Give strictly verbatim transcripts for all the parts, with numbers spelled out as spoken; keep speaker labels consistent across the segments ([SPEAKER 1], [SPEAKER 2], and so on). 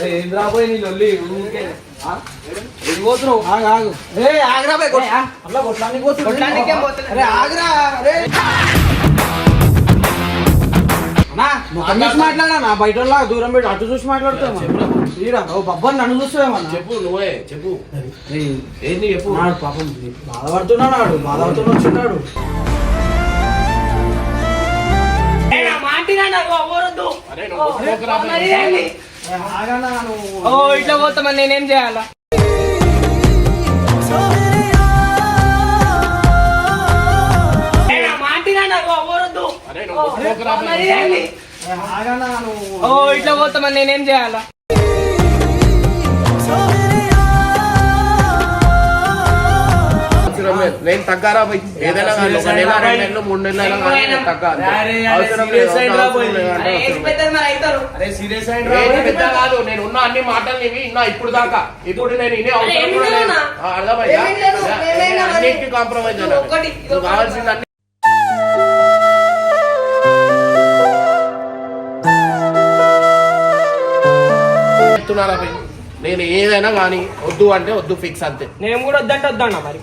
[SPEAKER 1] రాబోయే నీ లొల్లి పోతున్నావు ఆగు ఆగు రే ఆగ్రా పోయి అట్లా కొట్లానికి పోతుంది ఆగ్రా రే మాట్లాడా నా బయట దూరం పెట్టి అటు చూసి మాట్లాడుతావు బబ్బని నన్ను చూస్తావేమన్నా
[SPEAKER 2] చెప్పు నువ్వే చెప్పు
[SPEAKER 1] ఏంటి చెప్పు పాపం బాధపడుతున్నాడు వాడు బాధపడుతున్నా వచ్చిన్నాడు
[SPEAKER 3] ఇట్లా పోతామని నేనేం చేయాలా ఇట్లా పోతామని నేనేం చేయాలా
[SPEAKER 2] నేను తగ్గారా పోయి ఏదైనా కానీ ఒక నెల రెండు నెలలు మూడు నెలలు తగ్గాలి కాదు నేను ఉన్న అన్ని మాటలు ఇవి ఇన్నా ఇప్పుడు దాకా ఇప్పుడు నేను ఇనే అవసరం కూడా లేదు అర్థమైందా అన్నిటికీ కాంప్రమైజ్ అయినా కావాల్సింది అన్ని చెప్తున్నారా పోయి నేను ఏదైనా కానీ వద్దు అంటే వద్దు ఫిక్స్ అంతే
[SPEAKER 3] నేను కూడా వద్దంటే వద్దన్నా మరి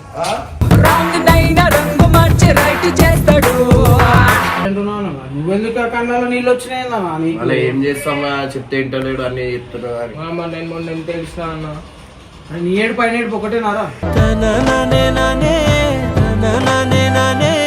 [SPEAKER 1] నువ్వెందుకు కళ్ళలో నీళ్ళు వచ్చినాయి
[SPEAKER 2] అలా ఏం చేస్తామా చెప్తే ఇంటలేడు అన్ని చెప్తున్నా
[SPEAKER 3] నేను మొన్న ఎంత తెలిసిన అన్న
[SPEAKER 1] నీ ఏడు పైన ఏడుపు ఒకటేనారా